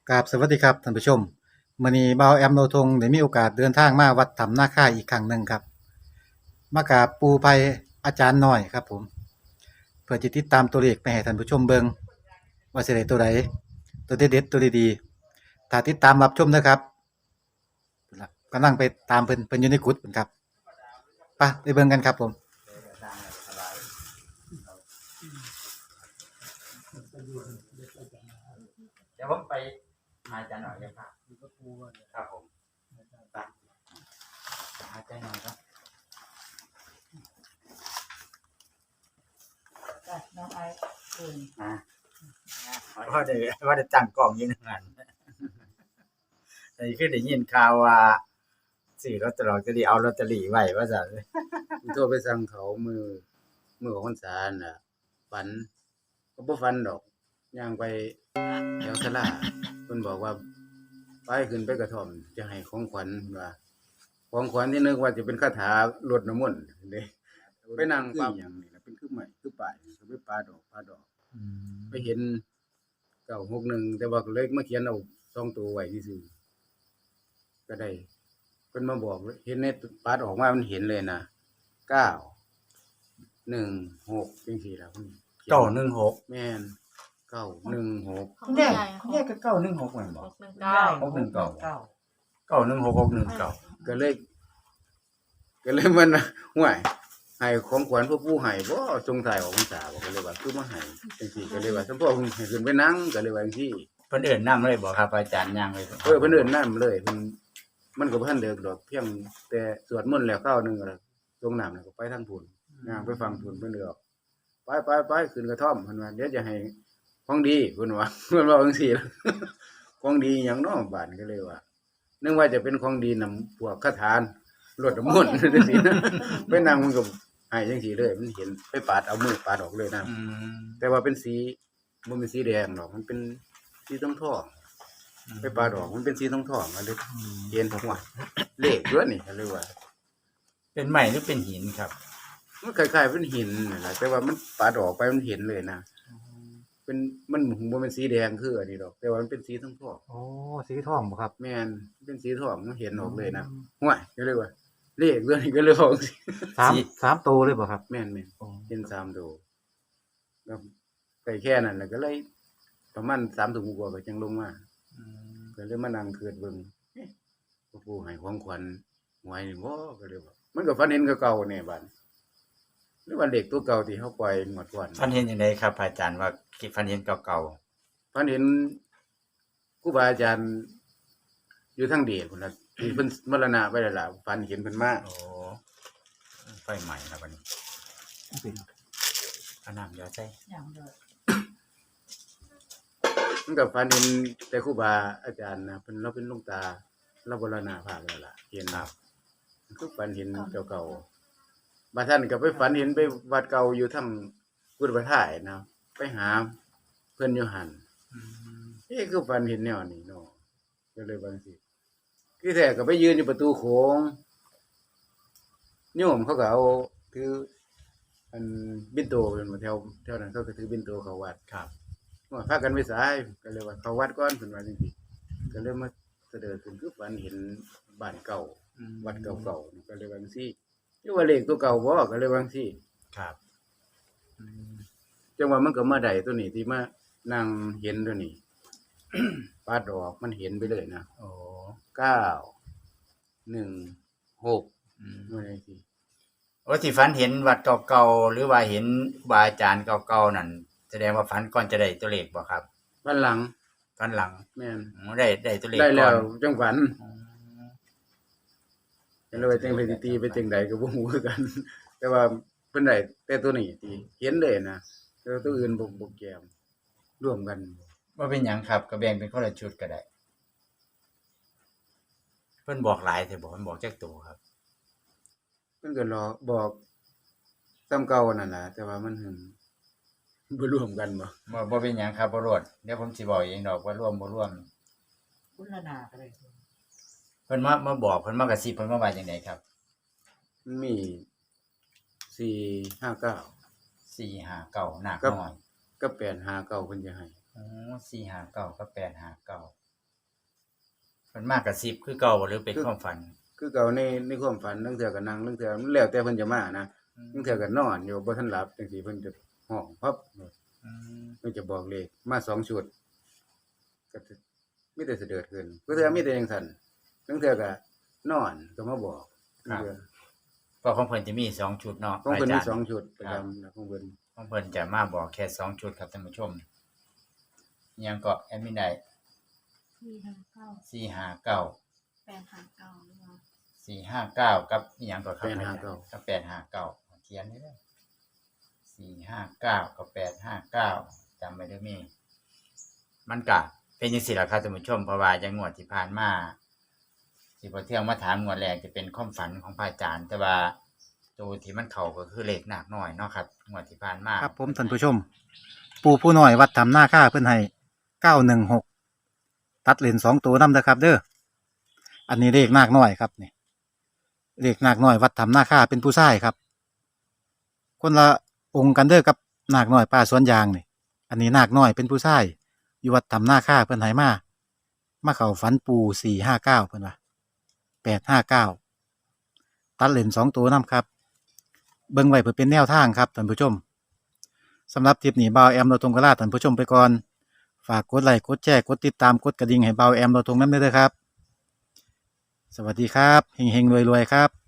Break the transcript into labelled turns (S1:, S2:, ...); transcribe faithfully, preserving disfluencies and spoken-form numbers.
S1: กราบสวัสดีครับท่านผู้ชมมื้อนี้บ่าวแอมโลทงได้มีโอกาสเดินทางมาวัดถ้ำนาคาอีกครั้งหนึ่งครับมากราบปู่ไผอาจารย์น้อยครับผมเพื่อจะติดตามตัวเลขไปให้ท่านผู้ชมเบิ่งว่าสิได้ตัวใดตัวเด็ดๆตัวดีๆถ้าติดตามรับชมนะครับพุ่นล่ะกำลังไปตามเพิ่นเพิ่นอยู่ในกุฏิพุ่นครับไปไปเบิ่งกันครับผม
S2: เดี๋ยวผมไปหาอาจารย์หน่อยเลยครับครับผมไปหาอาจารย์หน่อยครับ
S3: จ้ะน้องไอซ์เอิ้น
S2: อ่าว่าได้ว่าได้ตั้งกล้องอยู่นั่นนั่นแต่คือได้ยินข่าวว่าซื้อลอตเตอรี่จะได้เอาลอตเตอรี่ไว้ว่าซั่นโทรไปสั่งเขามือมือของพรรษาน่ะฝันก็บ่ฝันดอกย่างไปแถวศาลาเพิ่นบอกว่าไปขึ้นไปกระท่อมจะให้ของขวัญว่าของขวัญที่นึกว่าจะเป็นคาถารดน้ำมนต์เด้ไปนั่งปั๊บหยังนี่ล่ะเป็นคือไม้คือป้ายก็ไปปาดอกปาดอกไปเห็นเก้าหกหนึ่งแต่ว่าก็เลยมาเขียนเอาสองตัวไว้ซื่อๆก็ได้เพิ่นมาบอกเห็นในปาดออกมามันเห็นเลยนะเก้าหนึ่งหกจังซี่ล่ะเพิ่นเก้าหนึ่งหกแม่นเก้าหนึ่งหก
S3: คุณยาย
S2: แยกก็เก้าหนึ่งหกแม่นบ่
S3: หกหนึ่งเก้า
S2: หกหนึ่งเก้า
S3: เก้า
S2: เก้าหนึ่งหกหกหนึ่งเก้าก็เลยก็เลยมันห่วยให้ของขวัญพวกผู้ให้บ่สงสัยออกพรรษาบ่ก็เลยว่าคือมาให้จังซี่ก็เลยว่าสมพ่อเพิ่นให้ขึ้นไปนั่งก็เลยว่าจังซี่
S4: เพิ่นเอิ้นนำเลยบ่ครับอาจารย์ย่างเลยบ่
S2: เออเพิ่นเอิ้นน้ำเลยเพิ่นมันก็บ่ทันเลิกดอกเพียงแต่สวดมนต์แล้วคราวหนึงก็ลงน้ำแล้วก็ไปทางพุ่นย่างไปฟังพุ่นเพิ่นเลือกไปไปๆขึ้นกระท่อมเพิ่นว่าเดี๋ยวจะให้ของดีเพิ่นว่า เพิ่นว่าจังซี่ล่ะ ของดีหยังเนาะบาดก็เลยว่านึกว่าจะเป็นของดีนำพวกคาถานรดน้ำมนต์จังซี่นะ ไปนั่งมันก็ให้จังซี่เลยมันเห็นไปปาดเอามือปาดออกเลยนะ
S4: อืม
S2: แต่ว่าเป็นสีมันเป็นสีแดงหรอกมันเป็นสีทองทองไปปาดออกมันเป็นสีทองทองอะไรเย็นหัวเลขด้วยนี่เขาเรียกว่า
S4: เป็นไม้หรือเป็นหินครับ
S2: มันคล้ายๆเป็นหินนี่แหละแต่ว่ามันปาดออกไปมันเห็นเลยนะเป็นมันมันเป็นสีแดงคืออันนี้ดอก แต่ว่ามันเป็นสีทองทอง
S1: โอ้สีทองบ่ครับ
S2: แม่นเป็นสีทองมันเห็นออกเลยนะหัวเขาเรียกว่าเลขด้วยนี่ก็เลยบอกสิ
S1: สามสามตัวเลยบ่ครับ
S2: แม่นแม่นเห็นสามดูแล้วไก่แค่นั้นแหละก็เลยประมาณสามถุงกว่าก็จังลงมา
S4: อืม
S2: ก็เลยมานั่งเกิดเบิ่งเอ๊ะพ่อปู่ให้ของขวัญหวยนี่บ่ก็เลยว่ามันก็ฝันเห็นคือเก่าแน่บัดหรือว่าเลขตัวเก่าที่เฮาปล่อยงวดก่อน
S4: ฝันเห็นจังไดครับอาจารย์ว่าคิดฝันเห็นเก่า
S2: ฝันเห็นครูบาอาจารย์อยู่ทางเดชพุ่นน่ะที่เพิ่นมรณะไปแล้วล่ะฝันเห็นเพิ่นมา
S4: ๆโอ้ไฟใหม่ครับวันนี้เอาน้ำเดี๋ยวใส่
S3: อย่างเดียว
S2: มันก็ฝันเห็นแต่ครูบาอาจารย์นะเพิ่นเราเป็นหลวงตาเรามรณภาพแล้วล่ะเห็นครับคือฝันเห็นเก่าๆบางท่านก็ไปฝันเห็นไปวัดเก่าอยู่ทางกุฎประท่ายนะไปหาเพิ่นอยู่หั่น
S4: อืม
S2: เอ๊ะคือฝันเห็นแนวนี้เนาะก็เลยบาจั่งสิคือแท้ก็ไปยืนอยู่ประตูโขงโยมเขาก็เอาถืออันบิณโตเป็นมาแถวแถวนั้นเขาก็ถือบิณโตเข้าวัด
S4: ครับ
S2: ว่าพากันไปสายก็เลยว่าเข้าวัดก่อนเพิ่นว่าจังซี่ก็เลยมาเสด็จขึ้นคือฝันเห็นบ้านเก่า
S4: อืม
S2: วัดเก่าๆนี่ก็เลยว่าจังซี่หรือว่าเลขตัวเก่าบ่ก็เลยว่าจังซี่
S4: ครับอืม
S2: จังว่ามันก็มาได้ตัวนี้ที่มานั่งเห็นตัวนี้ ปาดออกมันเห็นไปเลยนะ
S4: โอ้
S2: เก้า หนึ่ง หก
S4: อืม
S2: ว่าจังซี่
S4: โอ้ที่ฝันเห็นวัดเก่าๆหรือว่าเห็นครูบาอาจารย์เก่าๆนั่นแสดงว่าฝันก่อนจะได้ตัวเลขบ่ครับ
S2: วันหลัง
S4: ฝันหลัง
S2: แม่น
S4: อ๋อได้ได้ตัวเลข
S2: ได้
S4: ก่
S2: แล้
S4: อ
S2: วน จังฝัน
S4: อ๋อ
S2: ก็เลยว่าจังไปสิตีไปจังใดก็บ่ฮู้คือกัน แต่ว่าเพิ่นได้แต่ตัวนี้ตีเห็นเลยนะแต่ว่าตัวอื่นบ่บ่แก้มร่วมกัน
S4: ว่าเป็นหยังครับก็แบ่งเป็นคนละชุดก็ได้ เพิ่นบอกหลายแต่บอกมันบอกจักตัวครับ
S2: เพิ่นก็รอบอกซ้ำเก่านั่นล่ะแต่ว่ามันหึงบ่ร่วมกันบ่
S4: บ่บ่เป็นหยังครับบ่รวดเดี๋ยวผมสิบอกเองดอกว่าร่วมบ่ร่วม
S3: คุณละนาก็เลย
S4: เพิ่นมามาบอกเพิ่นมากระซิบเพิ่นมาว่าจังไดครับ
S2: มันมีสี่ ห้า เก้า
S4: สี่ห้าเก้าหนัก
S2: ครับ
S4: น้อย
S2: กับแปด ห้า เก้าเพิ่นจะให้
S4: อ๋อสี่ห้าเก้ากับแปดห้าเก้ามันมากกับสิบคือเก่าบ่หรือเป็นความฝัน
S2: คือเก่าในในความฝันตั้งเทื่อก็นั่งตั้งเทื่อมันแล้วแต่เพิ่นจะมานะตั้งเทื่อก็นอนอยู่บ่ทันหลับจังซี่เพิ่นจะห้องพับ
S4: อืม
S2: เพิ่นจะบอกเลขมาสองชุดก็จะมีแต่เสด็จขึ้นก็เทื่อมีแต่จังซั่นตั้งเทื่อก็นอนก็มาบอกตั้งเทื่อ
S4: เพราะของเพิ่นจะมีสองชุดเนาะ
S2: ของเพิ่นมี
S4: าจารย์
S2: สองชุดประจำนะของเพิ่น
S4: ของเพิ่นจะมาบอกแค่สองชุดครับท่านผู้ชมอิหยังก็แอดมินได้
S5: สี่ห้าเก้า
S4: สี่ห้าเก้า
S5: แปดห้าเก้าหรือว่า
S4: สี่ห้าเก้ากับอิหยังก็ครับ
S2: แปดห้าเก้า
S4: กับแปดห้าเก้าเขียนนี่เด้อสี่ห้าเก้ากับแปดห้าเก้าจำไว้เด้อมีมันก็เป็นจังซี่ล่ะครับท่านผู้ชมเพราะว่าจังงวดที่ผ่านมาที่พอเที่ยงมาถามงวดแรกจะเป็นความฝันของพระอาจารย์แต่ว่าตัวที่มันเข้าก็คือเลขหนักน้อยเนาะครับงวดที่ผ่านมา
S1: ครับผมท่านผู้ชม ปู่ผู้น้อยวัดถ้ำนาค่าเพิ่นให้เก้าหนึ่งหกตัดเลนสองตัวนำเด้อครับ เด้ออันนี้เลขนาคน้อยครับนี่เลขนาคน้อยวัดถ้ำนาค่าเป็นผู้ชายครับ คนละองค์กันเด้อกับนาคน้อยป่าสวนยางนี่อันนี้นาคน้อยเป็นผู้ชายอยู่วัดถ้ำนาค่าเพิ่นให้มามาเข้าฝันปู่สี่ห้าเก้าเพิ่นว่าแปดห้าเก้าตัดเลนสองตัวนำครับ เบิ่งไว้เพื่อเป็นแนวทางครับท่านผู้ชมสำหรับคลิปนี้บ่าวแอมเราทงกระลาท่านผู้ชมไปก่อนฝากกดไลค์กดแชร์กดติดตามกดกระดิ่งให้บ่าวแอมเราทงนำด้วยเด้อครับ สวัสดีครับเฮงๆรวยๆครับ